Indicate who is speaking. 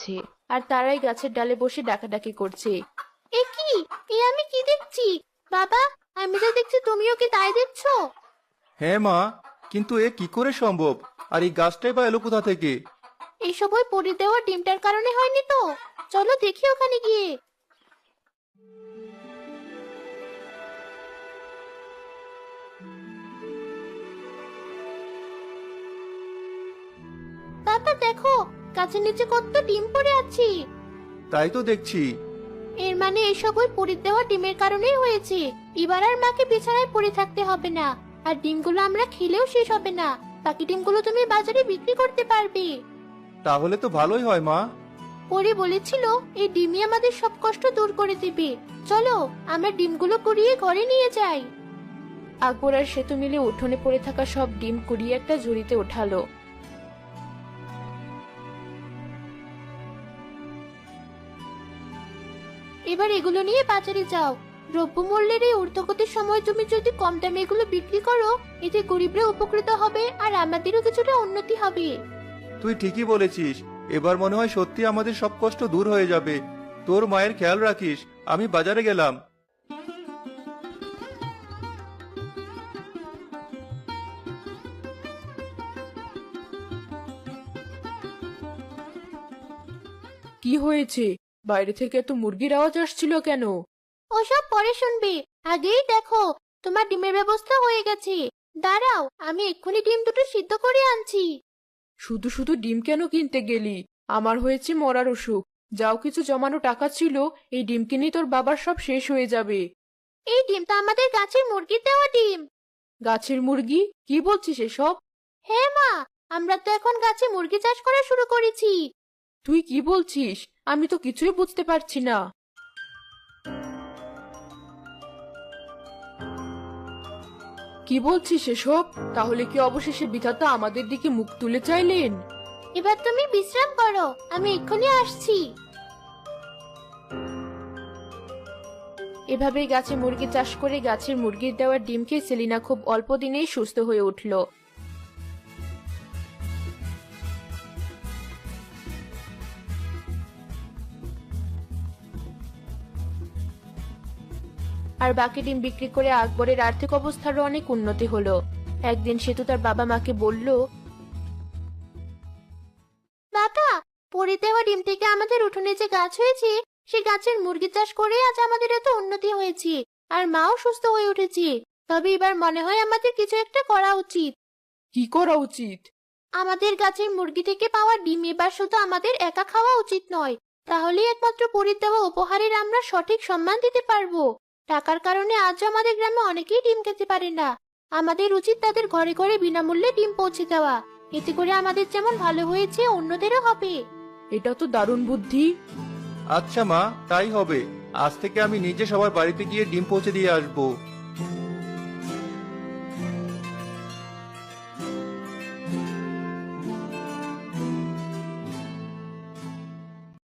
Speaker 1: আছে, আর তারাই গাছের ডালে বসে ডাকাডাকি করছে।
Speaker 2: এ কি? এ আমি কি দেখছি? বাবা, আমি যা দেখছি তুমিও কি তাই দেখছো?
Speaker 3: হ্যাঁ মা, কিন্তু এ কি করে সম্ভব? আর এই গাছটাই বা এলো কোথা থেকে?
Speaker 2: এইসব ওই পরি দেওয়া ডিমটার কারণে হয়নি তো? চলো দেখি ওখানে গিয়ে। বাবা দেখো, গাছের নিচে কত ডিম পড়ে আছে।
Speaker 3: তাই তো দেখছি।
Speaker 2: এর মানে এসব ওই পরি দেওয়া ডিমের কারণেই হয়েছে। এবার আর মাকে বিছানায় পড়ে থাকতে হবে না, আর ডিমগুলো আমরা খেলেও শেষ হবে না। বাকি ডিমগুলো তুমি বাজারে বিক্রি করতে পারবে।
Speaker 3: তাহলে তো ভালোই হয় মা।
Speaker 2: পরি বলেছিল এই ডিমই আমাদের সব কষ্ট দূর করে দিবে। চলো আমরা ডিমগুলো কুড়িয়ে ঘরে নিয়ে যাই।
Speaker 1: আকবর আর সেতু মিলে উঠোনে পড়ে থাকা সব ডিম কুড়িয়ে একটা ঝুড়িতে ওঠালো।
Speaker 2: এবার এগুলো নিয়ে বাজারে যাও। দ্রব্যমূল্যের এই ঊর্ধ্বগতির সময় তুমি যদি কম দামে এগুলো বিক্রি করো, এতে গরিবরা উপকৃত হবে আর আমাদেরও কিছুটা উন্নতি হবে।
Speaker 3: তুই ঠিকই বলেছিস। এবার মনে হয় সত্যি আমাদের সব কষ্ট দূর হয়ে যাবে। তোর মায়ের খেয়াল রাখিস। আমি বাজারে গেলাম।
Speaker 1: কি হয়েছে? বাইরে থেকে এত মুরগির আওয়াজ আসছিল কেন?
Speaker 2: ওসব পরে শুনবে, আগেই দেখো তোমার ডিমের ব্যবস্থা হয়ে গেছে। দাঁড়াও, আমি এক্ষুনি ডিম দুটো সিদ্ধ করে আনছি।
Speaker 1: শুধু শুধু ডিম কেন কিনতে গেলি? আমার হয়েছে মরার অসুখ। যাও, কিছু জমানো টাকা ছিল, এই ডিম কিনে তোর বাবার সব শেষ হয়ে যাবে।
Speaker 2: এই ডিম তো আমাদের গাছের মুরগির দেওয়া ডিম।
Speaker 1: গাছের মুরগি? কি বলছিস এসব?
Speaker 2: হ্যাঁ মা, আমরা তো এখন গাছে মুরগি চাষ করা শুরু করেছি।
Speaker 1: তুই কি বলছিস? আমি তো কিছুই বুঝতে পারছি না। কি বলছিস এসব? তাহলে কি অবশেষে বিধাতা আমাদের দিকে মুখ তুলে চাইলেন?
Speaker 2: এবার তুমি বিশ্রাম করো, আমি এক্ষুনি আসছি।
Speaker 1: এভাবেই গাছে মুরগি চাষ করে গাছের মুরগির দেওয়া ডিম খেয়ে সেলিনা খুব অল্প দিনেই সুস্থ হয়ে উঠল। আর বাকি ডিম বিক্রি করে আকবরের আর্থিক অবস্থারও অনেক উন্নতি হলো। একদিন সেতু তার বাবা মাকে বলল,
Speaker 2: বাবা, পরি দেওয়া ডিম থেকে আমাদের উঠোনে যে গাছ হয়েছে, সে গাছের মুরগি চাষ করে আজ আমাদের এত উন্নতি হয়েছে, আর মাও সুস্থ হয়ে উঠেছে। তবে এবার মনে হয় আমাদের কিছু একটা করা উচিত।
Speaker 1: কি করা উচিত?
Speaker 2: আমাদের গাছের মুরগি থেকে পাওয়া ডিম এবার শুধু আমাদের একা খাওয়া উচিত নয়। তাহলেই একমাত্র পরির দেওয়া উপহারের আমরা সঠিক সম্মান দিতে পারবো। টাকার কারণে আজ আমাদের গ্রামে অনেকেই ডিম খেতে পারে না। আমাদের উচিত তাদের ঘরে ঘরে বিনামূল্যে ডিম পৌঁছে দেওয়া। এতে করে আমাদের যেমন ভালো হয়েছে, অন্যদেরও হবে।
Speaker 1: এটা তো দারুণ বুদ্ধি।
Speaker 3: আচ্ছা মা, তাই হবে। আজ থেকে আমি নিজে সবার বাড়িতে গিয়ে ডিম পৌঁছে দিয়ে আসবো।